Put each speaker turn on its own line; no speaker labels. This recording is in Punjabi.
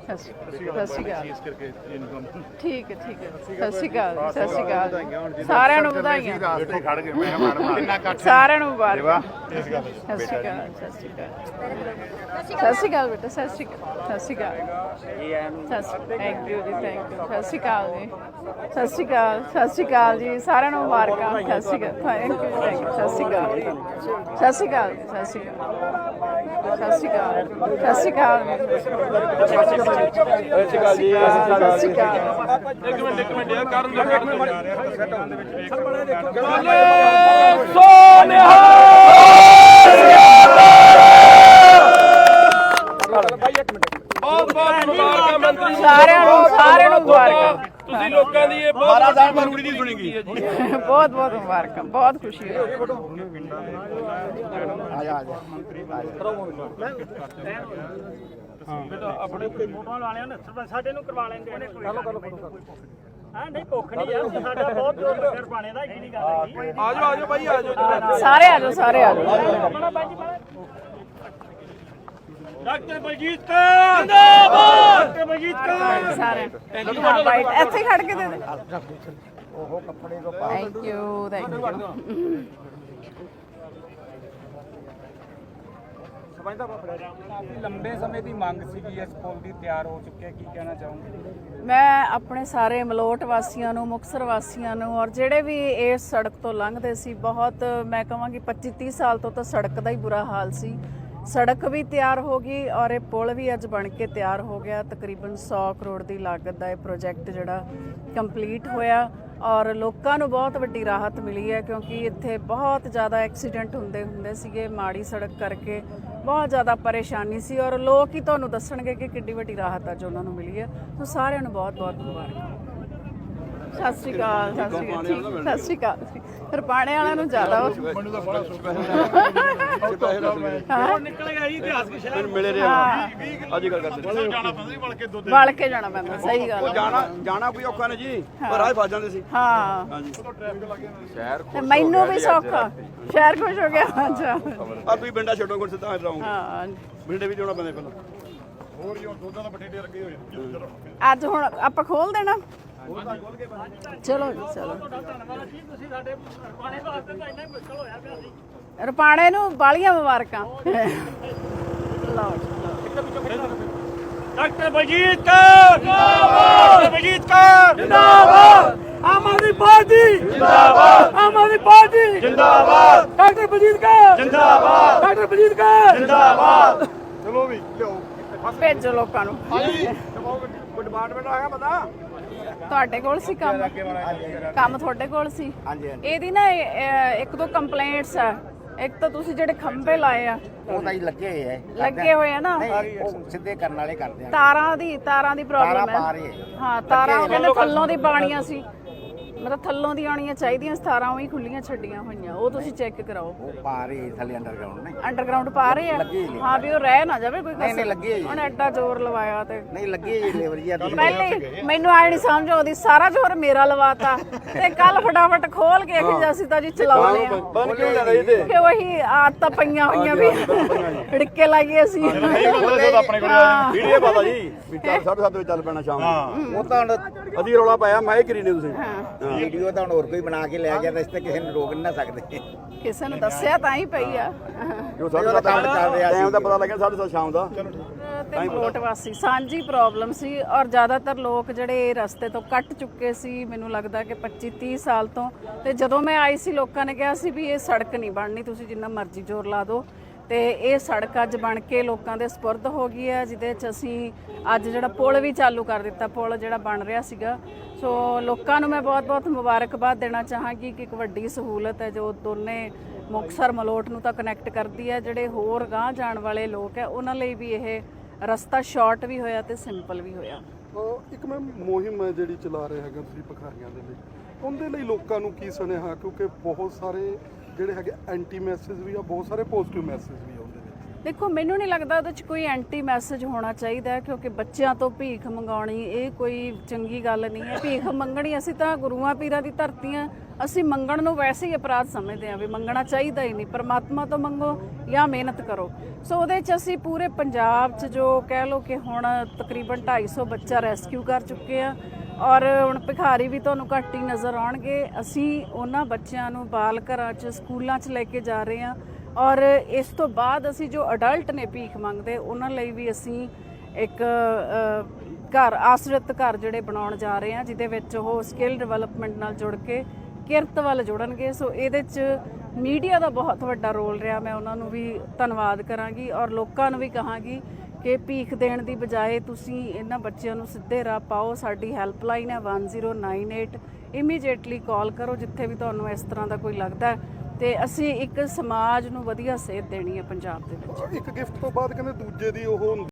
ਸਤਿ ਸ਼੍ਰੀ ਅਕਾਲ। ਠੀਕ ਹੈ ਠੀਕ ਹੈ। ਸਤਿ ਸ਼੍ਰੀ ਅਕਾਲ ਸਤਿ ਸ਼੍ਰੀ ਅਕਾਲ ਸਾਰਿਆਂ ਨੂੰ ਵਧਾਈਆਂ। ਸਾਰਿਆਂ ਨੂੰ ਮੁਬਾਰਕਾਂ। ਸਤਿ ਸ਼੍ਰੀ ਅਕਾਲ ਸਤਿ ਸ਼੍ਰੀ ਅਕਾਲ ਸਤਿ ਸ਼੍ਰੀ ਅਕਾਲ ਬੇਟਾ ਸਤਿ ਸ਼੍ਰੀ ਅਕਾਲ ਸਤਿ ਸ਼੍ਰੀ ਅਕਾਲ। ਥੈਂਕ ਯੂ ਜੀ ਥੈਂਕ ਯੂ। ਸਤਿ ਸ਼੍ਰੀ ਅਕਾਲ ਜੀ ਸਤਿ ਸ਼੍ਰੀ ਅਕਾਲ ਸਤਿ ਸ਼੍ਰੀ ਅਕਾਲ ਜੀ ਸਾਰਿਆਂ ਨੂੰ ਮੁਬਾਰਕਾਂ। ਸਤਿ ਸ਼੍ਰੀ ਅਕਾਲ ਥੈਂਕ ਯੂ ਥੈਂਕ ਯੂ। ਸਤਿ ਸ਼੍ਰੀ ਅਕਾਲ ਸਤਿ ਸ਼੍ਰੀ ਅਕਾਲ ਸਤਿ ਸ਼੍ਰੀ ਅਕਾਲ ਸਤਿ ਸ਼੍ਰੀ ਅਕਾਲ ਸਤਿ ਸ਼੍ਰੀ ਅਕਾਲ ਸਤਿ ਸ਼੍ਰੀ ਅਕਾਲ ਜੀ ਸਤਿ ਸ਼੍ਰੀ ਅਕਾਲ। ਇੱਕ ਮਿੰਟ ਯਾਰ ਕਰਨ ਸਾਰਿਆਂ ਨੂੰ ਮੁਬਾਰਕਾਂ। ਤੁਸੀਂ ਲੋਕਾਂ ਦੀ ਇਹ ਬਹੁਤ ਜ਼ਰੂਰੀ ਨਹੀਂ ਸੁਣੀਗੀ। ਬਹੁਤ ਬਹੁਤ ਮੁਬਾਰਕਾਂ ਬਹੁਤ ਖੁਸ਼ੀ ਹੋਈ।
ਆਪਣੇ ਫੋਟੋਆਂ ਲਾ ਲਿਆ ਨਾ ਸਾਡੇ ਨੂੰ ਕਰਵਾ ਲੈਂਦੇ ਹਾਂ ਨਹੀਂ ਭੁੱਖ ਨਹੀਂ ਯਾਰ ਸਾਡਾ ਬਹੁਤ ਜ਼ੋਰ ਲੱਗਿਆ ਪਾਣੇ ਦਾ ਜਿਹੜੀ ਗੱਲ ਹੈ। ਆਜੋ ਭਾਈ ਆਜੋ
ਸਾਰੇ ਆਜੋ ਸਾਰੇ ਆਜੋ।
ਡਾਕਟਰ ਬਲਜੀਤ ਕੌਰ ਜਿੰਦਾਬਾਦ ਡਾਕਟਰ ਬਲਜੀਤ ਕੌਰ
ਸਾਰੇ ਬਾਈਟ ਇੱਥੇ ਖੜ ਕੇ ਦੇ ਦੇ। ਉਹ ਕੱਪੜੇ ਤੋਂ ਪਾ ਥੈਂਕ ਯੂ ਥੈਂਕ ਯੂ।
ਲੰਬੇ ਸਮੇਂ ਦੀ ਮੰਗ ਸੀਗੀ ਇਸ ਪੁਲ ਦੀ ਤਿਆਰ ਹੋ ਚੁੱਕਿਆ ਕੀ ਕਹਿਣਾ ਚਾਹੋਗੇ?
ਮੈਂ ਆਪਣੇ ਸਾਰੇ ਮਲੋਟ ਵਾਸੀਆਂ ਨੂੰ ਮੁਕਤਸਰ ਵਾਸੀਆਂ ਨੂੰ ਔਰ ਜਿਹੜੇ ਵੀ ਇਸ ਸੜਕ ਤੋਂ ਲੰਘਦੇ ਸੀ ਬਹੁਤ ਮੈਂ ਕਹਾਂਗੀ 25-30 ਸਾਲ ਤੋਂ ਤਾਂ ਸੜਕ ਦਾ ਹੀ ਬੁਰਾ ਹਾਲ ਸੀ। ਸੜਕ ਵੀ ਤਿਆਰ ਹੋ ਗਈ ਔਰ ਇਹ ਪੁਲ ਵੀ ਅੱਜ ਬਣ ਕੇ ਤਿਆਰ ਹੋ ਗਿਆ। ਤਕਰੀਬਨ 100 ਕਰੋੜ ਦੀ ਲਾਗਤ ਦਾ ਇਹ ਪ੍ਰੋਜੈਕਟ ਜਿਹੜਾ ਕੰਪਲੀਟ ਹੋਇਆ ਔਰ ਲੋਕਾਂ ਨੂੰ ਬਹੁਤ ਵੱਡੀ ਰਾਹਤ ਮਿਲੀ ਹੈ ਕਿਉਂਕਿ ਇੱਥੇ ਬਹੁਤ ਜ਼ਿਆਦਾ ਐਕਸੀਡੈਂਟ ਹੁੰਦੇ ਸੀਗੇ ਮਾੜੀ ਸੜਕ ਕਰਕੇ ਬਹੁਤ ਜ਼ਿਆਦਾ ਪਰੇਸ਼ਾਨੀ ਸੀ ਔਰ ਲੋਕ ਹੀ ਤੁਹਾਨੂੰ ਦੱਸਣਗੇ ਕਿ ਕਿੰਨੀ ਵੱਡੀ ਰਾਹਤ ਅੱਜ ਉਹਨਾਂ ਨੂੰ ਮਿਲੀ ਹੈ। ਸੋ ਸਾਰਿਆਂ ਨੂੰ ਬਹੁਤ ਬਹੁਤ ਮੁਬਾਰਕਾਂ। ਸਤਿ ਸ਼੍ਰੀ ਅਕਾਲ ਸਤਿ ਸ਼੍ਰੀ ਅਕਾਲ ਸਤਿ ਸ਼੍ਰੀ ਅਕਾਲ। ਰਪਾਣੇ ਵਾਲਿਆਂ ਨੂੰ ਜ਼ਿਆਦਾ
ਮੈਨੂੰ ਤਾਂ ਬੜਾ ਸੁੱਕਾ ਹੈ ਨਿਕਲੇਗਾ ਜੀ ਇਤਿਹਾਸ ਕੇ ਸ਼ਹਿਰ
ਮਿਲੇ ਰਿਹਾ ਅੱਜ ਗੱਲ ਕਰਦੇ
ਜਾਣਾ ਪੈਂਦਾ ਸੀ
ਵਲ ਕੇ ਜਾਣਾ ਪੈਂਦਾ। ਸਹੀ ਗੱਲ
ਜਾਣਾ ਕੋਈ ਔਖਾ ਨਹੀਂ ਜੀ ਪਰ ਰਾਹ ਫਸ ਜਾਂਦੇ ਸੀ।
ਹਾਂ
ਹਾਂਜੀ ਸ਼ਹਿਰ
ਤੇ ਮੈਨੂੰ ਵੀ ਸੌਖਾ ਸ਼ਹਿਰ ਖੁਸ਼ ਹੋ ਗਿਆ। ਅੱਛਾ
ਆ ਤੁਸੀਂ ਪਿੰਡਾ ਛੱਡੋ ਗੁਰ ਸਿੱਧਾ ਰਹੋਗੇ।
ਹਾਂ
ਬਿੰਡੇ ਵੀ ਜਾਣਾ ਪੈਂਦਾ ਪਹਿਲਾਂ
ਹੋਰ ਜੀ ਦੁੱਧਾਂ ਦਾ ਬਟੇਟੇ ਲੱਗੇ ਹੋਏ
ਅੱਜ ਹੁਣ ਆਪਾਂ ਖੋਲ ਦੇਣਾ। ਚਲੋ ਜੀ ਚਲੋ।
ਧੰਨਵਾਦ ਜੀ ਤੁਸੀਂ ਸਾਡੇ ਰਪਾਣੇ ਵਾਸਤੇ ਤਾਂ ਇੰਨਾ ਮੁਸ਼ਕਲ ਹੋਇਆ ਪਿਆ ਸੀ।
ਰਪਾਣੇ ਨੂੰ ਬਾਲੀਆਂ ਮੁਬਾਰਕਾਂ। ਲਓ
ਡਾਕਟਰ ਬਲਜੀਤ ਕੌਰ ਜਿੰਦਾਬਾਦ ਡਾਕਟਰ ਬਲਜੀਤ ਕੌਰ ਜਿੰਦਾਬਾਦ ਆਮ ਆਦਮੀ ਪਾਰਟੀ ਜਿੰਦਾਬਾਦ ਆਮ ਆਦਮੀ ਪਾਰਟੀ ਜਿੰਦਾਬਾਦ ਡਾਕਟਰ ਬਲਜੀਤ ਕੌਰ ਜਿੰਦਾਬਾਦ ਡਾਕਟਰ ਬਲਜੀਤ ਕੌਰ ਜਿੰਦਾਬਾਦ।
ਚਲੋ ਵੀ ਲਿਓ
ਭੇਜੋ ਲੋਕਾਂ ਨੂੰ।
ਕੋਈ ਡਿਪਾਰਟਮੈਂਟ ਆ ਗਿਆ ਪਤਾ
ਤੁਹਾਡੇ ਕੋਲ ਸੀ ਕੰਮ ਤੁਹਾਡੇ ਕੋਲ ਸੀ। ਇਹਦੀ ਨਾ ਇੱਕ ਦੋ ਕੰਪਲੇਂਟਸ ਆ। ਇੱਕ ਤਾਂ ਤੁਸੀਂ ਜਿਹੜੇ ਖੰਭੇ ਲਾਏ ਆ
ਉਹ ਤਾਂ ਹੀ ਲੱਗੇ
ਹੋਏ ਆ ਨਾ
ਉਹ ਸਿੱਧੇ ਕਰਨ ਵਾਲੇ ਕਰਦੇ ਆ।
ਤਾਰਾਂ ਦੀ ਪ੍ਰੋਬਲਮ ਹੈ। ਹਾਂ ਤਾਰਾਂ ਉਹ ਕਹਿੰਦੇ ਥੱਲੋਂ ਦੀ ਪਾਣੀਆਂ ਸੀ ਮਤਲਬ ਥੱਲੋਂ ਦੀ ਆਉਣੀਆਂ ਚਾਹੀਦੀਆਂ 17 ਉਹੀ ਖੁੱਲੀਆਂ ਛੱਡੀਆਂ ਹੋਈਆਂ ਉਹ ਤੁਸੀਂ ਚੈੱਕ ਕਰਾਓ।
ਉਹ ਪਾ ਰਹੇ ਥੱਲੇ ਅੰਡਰਗਰਾਉਂਡ ਨੇ
ਅੰਡਰਗਰਾਉਂਡ ਪਾ ਰਹੇ ਆ। ਹਾਂ ਵੀ ਉਹ ਰਹਿ ਨਾ ਜਾਵੇ ਕੋਈ
ਨਹੀਂ ਲੱਗੇ
ਉਹਨੇ ਐਡਾ ਜ਼ੋਰ ਲਵਾਇਆ ਤੇ
ਨਹੀਂ ਲੱਗੇ ਜੀ ਲੇਬਰ ਜੀ
ਪਹਿਲੇ ਮੈਨੂੰ ਆਏ ਨਹੀਂ ਸਮਝ ਆਉਂਦੀ ਸਾਰਾ ਜ਼ੋਰ ਮੇਰਾ ਲਵਾਤਾ ਤੇ ਕੱਲ ਫਟਾਫਟ ਖੋਲ ਕੇ ਕਿ ਅਸੀਂ ਤਾਂ ਜੀ ਚਲਾਉਣੇ ਆ
ਬੰਦ ਕਿਉਂ ਲੈ ਰਹੀ ਤੇ
ਕਿ ਉਹੀ ਆਦਤਾਂ ਪਈਆਂ ਹੋਈਆਂ ਵੀ ੜਿੱਕੇ ਲਾਈਏ ਅਸੀਂ
ਆਪਣੇ ਕੋਲ ਵੀਡੀਓ ਪਤਾ ਜੀ ਵੀ 7:30 ਵਜੇ ਚੱਲ ਪੈਣਾ ਸ਼ਾਮ ਨੂੰ।
ਉਹ ਤਾਂ
ਅਸੀਂ ਰੌਲਾ ਪਾਇਆ ਮੈਂ ਹੀ ਕਰੀ ਨੇ ਤੁਸੀਂ
ਵੀਡੀਓ ਤਾਂ ਹੁਣ ਹੋਰ ਕੋਈ ਬਣਾ ਕੇ ਲੈ ਗਿਆ ਤਾਂ ਇਸ ਤੇ ਕਿਸੇ ਨੂੰ ਰੋਕ ਨਹੀਂ ਨਾ ਸਕਦੇ।
ਕਿਸੇ ਨੂੰ ਦੱਸਿਆ ਤਾਂ ਹੀ ਪਈ ਆ
ਜੋ 7:30 ਟਾਈਮ ਦਾ ਪਤਾ ਲੱਗਿਆ 7:30 ਸ਼ਾਮ ਦਾ
ਤੇ ਮਲੋਟ ਵਾਸੀ ਸਾਂਝੀ ਪ੍ਰੋਬਲਮ ਸੀ ਔਰ ਜ਼ਿਆਦਾਤਰ ਲੋਕ ਜਿਹੜੇ ਰਸਤੇ ਤੋਂ ਕੱਟ ਚੁੱਕੇ ਸੀ ਮੈਨੂੰ ਲੱਗਦਾ ਕਿ 25-30 ਸਾਲ ਤੋਂ। ਤੇ ਜਦੋਂ ਮੈਂ ਆਈ ਸੀ ਲੋਕਾਂ ਨੇ ਕਿਹਾ ਸੀ ਵੀ ਇਹ ਸੜਕ ਨਹੀਂ ਬਣਨੀ ਤੁਸੀਂ ਜਿੰਨਾ ਮਰਜ਼ੀ ਜ਼ੋਰ ਲਾ ਦਿਓ ਤੇ ਇਹ ਸੜਕ ਅੱਜ ਬਣ ਕੇ ਲੋਕਾਂ ਦੇ ਸਪੁਰਦ ਹੋ ਗਈ ਹੈ ਜਿਹਦੇ 'ਚ ਅਸੀਂ ਅੱਜ ਜਿਹੜਾ ਪੁਲ ਵੀ ਚਾਲੂ ਕਰ ਦਿੱਤਾ ਪੁਲ ਜਿਹੜਾ ਬਣ ਰਿਹਾ ਸੀਗਾ। ਸੋ ਲੋਕਾਂ ਨੂੰ ਮੈਂ ਬਹੁਤ-ਬਹੁਤ ਮੁਬਾਰਕਬਾਦ ਦੇਣਾ ਚਾਹਾਂਗੀ ਕਿ ਇੱਕ ਵੱਡੀ ਸਹੂਲਤ ਹੈ ਜੋ ਦੋਨੇ ਮੁਕਤਸਰ ਮਲੋਟ ਨੂੰ ਤਾਂ ਕਨੈਕਟ ਕਰਦੀ ਹੈ। ਜਿਹੜੇ ਹੋਰ ਗਾਂਹ ਜਾਣ ਵਾਲੇ ਲੋਕ ਹੈ ਉਹਨਾਂ ਲਈ ਵੀ ਇਹ ਰਸਤਾ ਸ਼ਾਰਟ ਵੀ ਹੋਇਆ ਤੇ ਸਿੰਪਲ ਵੀ ਹੋਇਆ।
ਇੱਕ ਮੈਂ ਮੁਹਿੰਮ ਹੈ ਜਿਹੜੀ ਚਲਾ ਰਹੇ ਹੈਗੇ ਤੁਸੀਂ ਭਖਾਰੀਆਂ ਦੇ ਲਈ ਉਹਦੇ ਲਈ ਲੋਕਾਂ ਨੂੰ ਕੀ ਸੁਨੇਹਾ ਕਿਉਂਕਿ ਬਹੁਤ ਸਾਰੇ ਜਿਹੜੇ ਹੈਗੇ ਐਂਟੀ ਮੈਸੇਜ ਵੀ ਆ ਬਹੁਤ ਸਾਰੇ ਪੋਜ਼ਿਟਿਵ ਮੈਸੇਜ ਵੀ ਆਉਂਦੇ ਨੇ।
ਦੇਖੋ ਮੈਨੂੰ ਨਹੀਂ ਲੱਗਦਾ ਉਹਦੇ 'ਚ ਕੋਈ ਐਂਟੀ ਮੈਸੇਜ ਹੋਣਾ ਚਾਹੀਦਾ ਕਿਉਂਕਿ ਬੱਚਿਆਂ ਤੋਂ ਭੀਖ ਮੰਗਾਉਣੀ ਇਹ ਕੋਈ ਚੰਗੀ ਗੱਲ ਨਹੀਂ ਹੈ। ਭੀਖ ਮੰਗਣੀ ਅਸੀਂ ਤਾਂ ਗੁਰੂਆਂ ਪੀਰਾਂ ਦੀ ਧਰਤੀ ਆ ਅਸੀਂ ਮੰਗਣ ਨੂੰ ਵੈਸੇ ਹੀ ਅਪਰਾਧ ਸਮਝਦੇ ਹਾਂ ਵੀ ਮੰਗਣਾ ਚਾਹੀਦਾ ਹੀ ਨਹੀਂ। ਪਰਮਾਤਮਾ ਤੋਂ ਮੰਗੋ ਜਾਂ ਮਿਹਨਤ ਕਰੋ। ਸੋ ਉਹਦੇ 'ਚ ਅਸੀਂ ਪੂਰੇ ਪੰਜਾਬ 'ਚ ਜੋ ਕਹਿ ਲਓ ਕਿ ਹੁਣ ਤਕਰੀਬਨ 250 ਬੱਚਾ ਰੈਸਕਿਊ ਕਰ ਚੁੱਕੇ ਆ ਔਰ ਹੁਣ ਭਿਖਾਰੀ ਵੀ ਤੁਹਾਨੂੰ ਘੱਟ ਹੀ ਨਜ਼ਰ ਆਉਣਗੇ। ਅਸੀਂ ਉਹਨਾਂ ਬੱਚਿਆਂ ਨੂੰ ਬਾਲ ਘਰਾਂ 'ਚ ਸਕੂਲਾਂ 'ਚ ਲੈ ਕੇ ਜਾ ਰਹੇ ਹਾਂ ਔਰ ਇਸ ਤੋਂ ਬਾਅਦ ਅਸੀਂ ਜੋ ਅਡਲਟ ਨੇ ਭੀਖ ਮੰਗਦੇ ਉਹਨਾਂ ਲਈ ਵੀ ਅਸੀਂ ਇੱਕ ਘਰ ਆਸਰਤ ਘਰ ਜਿਹੜੇ ਬਣਾਉਣ ਜਾ ਰਹੇ ਹਾਂ ਜਿਹਦੇ ਵਿੱਚ ਉਹ ਸਕਿੱਲ ਡਿਵੈਲਪਮੈਂਟ ਨਾਲ ਜੁੜ ਕੇ ਕਿਰਤ ਵੱਲ ਜੁੜਨਗੇ। ਸੋ ਇਹਦੇ 'ਚ ਮੀਡੀਆ ਦਾ ਬਹੁਤ ਵੱਡਾ ਰੋਲ ਰਿਹਾ। ਮੈਂ ਉਹਨਾਂ ਨੂੰ ਵੀ ਧੰਨਵਾਦ ਕਰਾਂਗੀ ਔਰ ਲੋਕਾਂ ਨੂੰ ਵੀ ਕਹਾਂਗੀ ਕਿ ਭੀਖ ਦੇਣ ਦੀ ਬਜਾਏ ਤੁਸੀਂ ਇਹਨਾਂ ਬੱਚਿਆਂ ਨੂੰ ਸਿੱਧੇ ਰਾਹ ਪਾਓ। ਸਾਡੀ ਹੈਲਪਲਾਈਨ ਹੈ 1098। ਇਮੀਡੀਏਟਲੀ ਕਾਲ ਕਰੋ ਜਿੱਥੇ ਵੀ ਤੁਹਾਨੂੰ ਇਸ ਤਰ੍ਹਾਂ ਦਾ ਕੋਈ ਲੱਗਦਾ ਹੈ ਤੇ ਅਸੀਂ ਇੱਕ ਸਮਾਜ ਨੂੰ ਵਧੀਆ ਸੇਧ ਦੇਣੀ ਹੈ ਪੰਜਾਬ ਦੇ ਵਿੱਚ।
ਇੱਕ ਗਿਫਟ ਤੋਂ ਬਾਅਦ ਕਹਿੰਦੇ ਦੂਜੇ ਦੀ ਉਹ